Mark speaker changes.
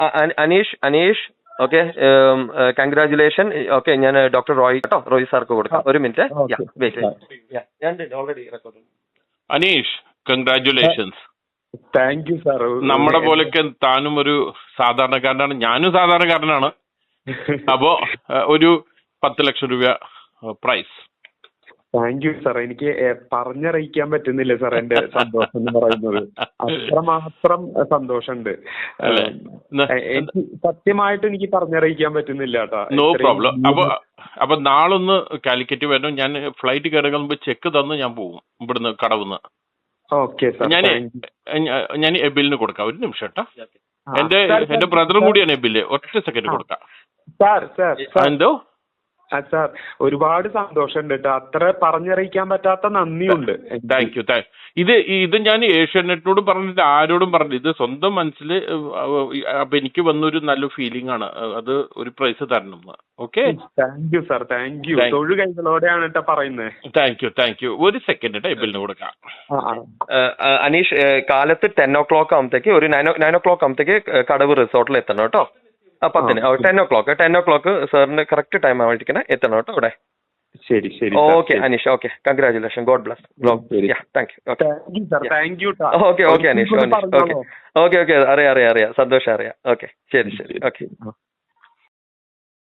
Speaker 1: Aneesh Aneesh okay, congratulation. Okay, ഞാൻ doctor Roy കേട്ടോ, റോയ് സാർക്ക് കൊടുക്കാം. ഒരു minute. Already record.
Speaker 2: Aneesh, congratulations.
Speaker 3: Thank you sir.
Speaker 2: നമ്മുടെ പോലൊക്കെ താനും ഒരു സാധാരണക്കാരനാണ്, ഞാനും സാധാരണക്കാരനാണ്. അപ്പോ ഒരു 10 ലക്ഷം രൂപ പ്രൈസ്.
Speaker 3: Thank you sir. എനിക്ക് പറഞ്ഞറിയിക്കാൻ പറ്റുന്നില്ല സാർ എന്റെ സന്തോഷം എന്ന് പറയുന്നത്. അത്രമാത്രം സന്തോഷമുണ്ട്. എനിക്ക് സത്യമായിട്ട് എനിക്ക് പറഞ്ഞറിയിക്കാൻ പറ്റുന്നില്ല കേട്ടോ.
Speaker 2: No problem. അപ്പൊ നാളൊന്ന് കാലിക്കറ്റ് വരണം. ഞാൻ ഫ്ലൈറ്റ് കയറുന്ന മുമ്പ് ചെക്ക് തന്ന് ഞാൻ പോകും ഇവിടുന്ന്, കടവുന്ന്.
Speaker 3: Okay sir.
Speaker 2: ഞാൻ എബിലിന് കൊടുക്കാം. ഒരു നിമിഷം കേട്ടോ. എന്റെ ബ്രദറും കൂടിയാണ് എബില്. ഒറ്റ സെക്കൻഡ് കൊടുക്കാം. എന്തോ
Speaker 3: സാർ, ഒരുപാട് സന്തോഷമുണ്ട് കേട്ടോ. അത്ര പറഞ്ഞറിയിക്കാൻ പറ്റാത്ത നന്ദിയുണ്ട്.
Speaker 2: Thank you. ഇത് ഞാൻ ഏഷ്യാനെറ്റിനോടും പറഞ്ഞിട്ട് ആരോടും പറഞ്ഞില്ല. ഇത് സ്വന്തം മനസ്സിൽ അപ്പൊ എനിക്ക് വന്നൊരു നല്ല ഫീലിംഗ് ആണ്. അത് ഒരു പ്രൈസ് തരണം. Okay,
Speaker 3: thank you sir. Thank you. തൊഴു കൈകളോടെയാണ് കേട്ടോ പറയുന്നത്.
Speaker 2: Thank you. ഒരു സെക്കൻഡ് കേട്ടോ, എബിലിന് കൊടുക്കാം.
Speaker 1: അനീഷ്, കാലത്ത് 10 o'clock ആകുമ്പത്തേക്ക്, ഒരു 9 o'clock ആകുമ്പത്തേക്ക് കടവ് റിസോർട്ടിൽ എത്തണം കേട്ടോ. 10 10 o'clock സാറിന് കറക്റ്റ് ടൈം ആവാണ്ടിരിക്കണേ, എത്തണം കേട്ടോ അവിടെ.
Speaker 3: ശരി ശരി.
Speaker 1: Okay Aneesh, okay, congratulation, god bless. Thank you.
Speaker 3: Thank you.
Speaker 1: Okay Aneesh, okay അറിയാം, സന്തോഷം അറിയാം. ഓക്കെ, ശരി, ഓക്കെ.